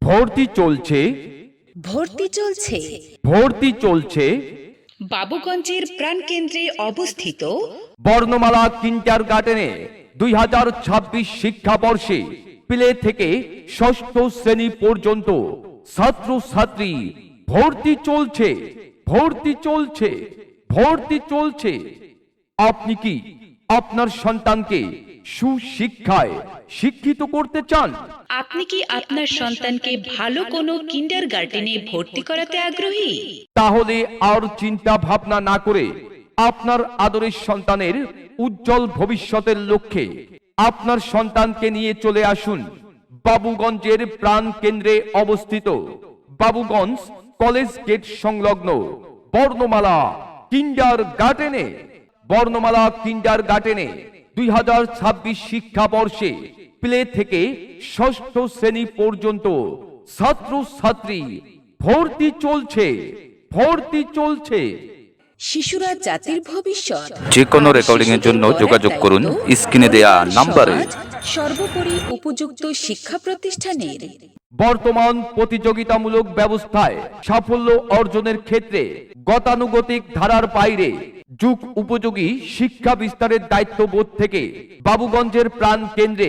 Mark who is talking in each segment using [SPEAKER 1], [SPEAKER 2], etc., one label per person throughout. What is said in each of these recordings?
[SPEAKER 1] ভর্তি চলছে
[SPEAKER 2] ভর্তি চলছে
[SPEAKER 1] ভর্তি চলছে
[SPEAKER 2] বাবুগঞ্জের প্রাণকেন্দ্রে অবস্থিত
[SPEAKER 1] বর্ণমালা কিন্ডারগার্টেনে 2026 শিক্ষাবর্ষে প্লে থেকে ষষ্ঠ শ্রেণী পর্যন্ত ছাত্রছাত্রী ভর্তি চলছে ভর্তি চলছে ভর্তি চলছে। আপনি কি আপনার সন্তানকে সুশিক্ষায় শিক্ষিত করতে চান?
[SPEAKER 2] আপনি কি আপনার সন্তানকে ভালো কোনো কিন্ডারগার্টেনে ভর্তি করাতে আগ্রহী?
[SPEAKER 1] তাহলে আর চিন্তা ভাবনা না করে আপনার আদরের সন্তানের উজ্জ্বল ভবিষ্যতের লক্ষ্যে আপনার সন্তানকে নিয়ে চলে আসুন বাবুগঞ্জের প্রাণ কেন্দ্রে অবস্থিত বাবুগঞ্জ কলেজ গেট সংলগ্ন বর্ণমালা কিন্ডারগার্টেনে। বর্ণমালা কিন্ডারগার্টেনে 2026 শিক্ষাবর্ষে প্লে থেকে ষষ্ঠ শ্রেণী পর্যন্ত ছাত্রছাত্রী ভর্তি চলছে ভর্তি চলছে।
[SPEAKER 2] শিশুরা জাতির ভবিষ্যৎ।
[SPEAKER 3] যে কোনো রেকর্ডিং এর জন্য যোগাযোগ করুন স্ক্রিনে দেয়া নাম্বারে।
[SPEAKER 2] সর্বোপরি উপযুক্ত শিক্ষা প্রতিষ্ঠানের
[SPEAKER 1] বর্তমান প্রতিযোগিতামূলক ব্যবস্থায় সাফল্য অর্জনের ক্ষেত্রে গতানুগতিক ধারার বাইরে যুগ উপযোগী শিক্ষা বিস্তারের দায়িত্ববোধ থেকে বাবুগঞ্জের প্রাণ কেন্দ্রে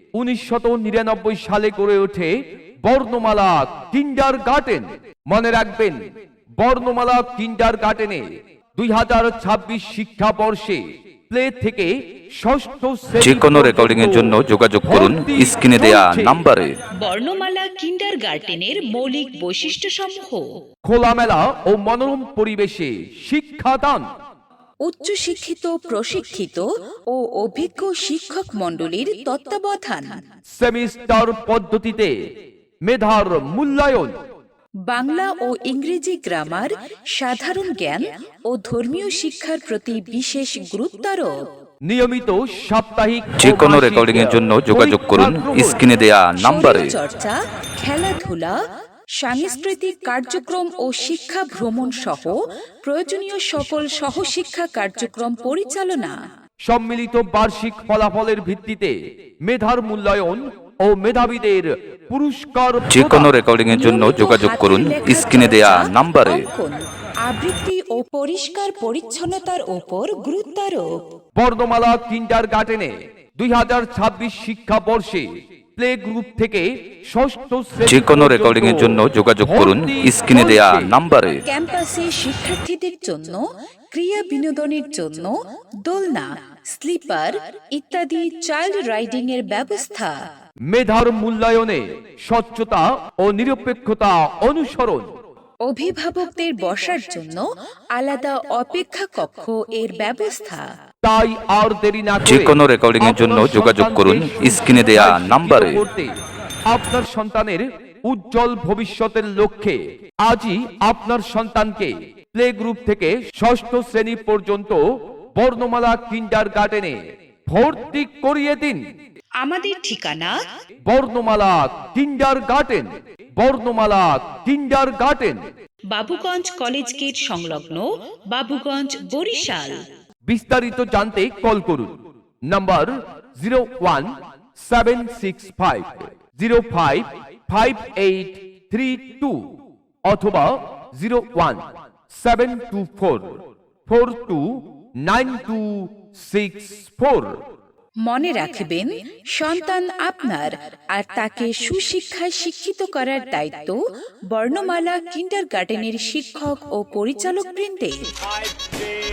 [SPEAKER 1] 1999 সালে গড়ে ওঠে বর্ণমালা কিন্ডারগার্টেন। মনে রাখবেন, বর্ণমালা কিন্ডারগার্টেনে 2026 শিক্ষাবর্ষে প্লে থেকে ষষ্ঠ
[SPEAKER 3] যে কোনো রেকর্ডিং এর জন্য যোগাযোগ করুন স্ক্রিনে দেয়া নাম্বারে।
[SPEAKER 2] বর্ণমালা কিন্ডারগার্টেনের মৌলিক বৈশিষ্ট্যসমূহ:
[SPEAKER 1] খোলামেলা ও মনোরম পরিবেশে শিক্ষাদান,
[SPEAKER 2] উচ্চশিক্ষিত প্রশিক্ষিত ও অভিজ্ঞ শিক্ষক মণ্ডলীর তত্ত্বাবধান,
[SPEAKER 1] সেমিস্টার পদ্ধতিতে মেধার মূল্যায়ন,
[SPEAKER 2] বাংলা ও ইংরেজি গ্রামার, সাধারণ জ্ঞান ও ধর্মীয় শিক্ষার প্রতি বিশেষ গুরুত্বারোপ,
[SPEAKER 1] নিয়মিত সাপ্তাহিক
[SPEAKER 3] যে কোনো রেকর্ডিং এর জন্য যোগাযোগ করুন স্ক্রিনে দেয়া নাম্বারে।
[SPEAKER 2] চর্চা, খেলাধুলা, সাংস্কৃতিক কার্যক্রম ও শিক্ষা ভ্রমণ সহ প্রয়োজনীয় সকল সহশিক্ষা কার্যক্রম পরিচালনা,
[SPEAKER 1] সম্মিলিত বার্ষিক ফলাফলের ভিত্তিতে মেধার মূল্যায়ন ও মেধাবীদের পুরস্কার।
[SPEAKER 3] যে কোনো রেকর্ডিং এর জন্য যোগাযোগ করুন স্ক্রিনে দেয়া নাম্বারে।
[SPEAKER 2] আবৃত্তি ও পরিষ্কার পরিচ্ছন্নতার উপর গুরুত্বারোপ।
[SPEAKER 1] বর্ণমালা কিন্ডারগার্টেনে 2026 শিক্ষাবর্ষে প্লে গ্রুপ থেকে ষষ্ঠ শ্রেণী
[SPEAKER 3] যে কোনো রেকর্ডিং এর জন্য যোগাযোগ করুন স্ক্রিনে দেয়া নাম্বারে।
[SPEAKER 2] ক্যাম্পাসে শিক্ষার্থীদের জন্য ক্রিয়া বিনোদনের জন্য দোলনা, স্লিপার ইত্যাদি চাইল্ড রাইডিং এর ব্যবস্থা।
[SPEAKER 1] মেধার মূল্যায়নে স্বচ্ছতা ও নিরপেক্ষতা অনুসরণ।
[SPEAKER 2] অভিভাবকদের বসার জন্য আলাদা অপেক্ষা কক্ষ এর ব্যবস্থা।
[SPEAKER 1] তাই আর দেরি না করে
[SPEAKER 3] যে কোনো রেকর্ডিং এর জন্য যোগাযোগ করুন স্ক্রিনে দেয়া নাম্বারে।
[SPEAKER 1] আপনার সন্তানের উজ্জ্বল ভবিষ্যতের লক্ষ্যে আজই আপনার সন্তানকে প্লে গ্রুপ থেকে ষষ্ঠ শ্রেণী পর্যন্ত বর্ণমালা কিন্ডারগার্টেনে ভর্তি করিয়ে দিন।
[SPEAKER 2] আমাদের ঠিকানা
[SPEAKER 1] বর্ণমালা কিন্ডারগার্টেন, বর্ণমালা কিন্ডারগার্টেন,
[SPEAKER 2] বাবুগঞ্জ কলেজ গেট সংলগ্ন, বাবুগঞ্জ, বরিশাল।
[SPEAKER 1] বিস্তারিত জানতে কল করুন নাম্বার 01765055832 অথবা 01724429264।
[SPEAKER 2] মনে রাখবেন, সন্তান আপনার, আর তাকে সুশিক্ষায় শিক্ষিত করার দায়িত্ব বর্ণমালা কিন্ডারগার্টেনের শিক্ষক ও পরিচালক বৃন্দের।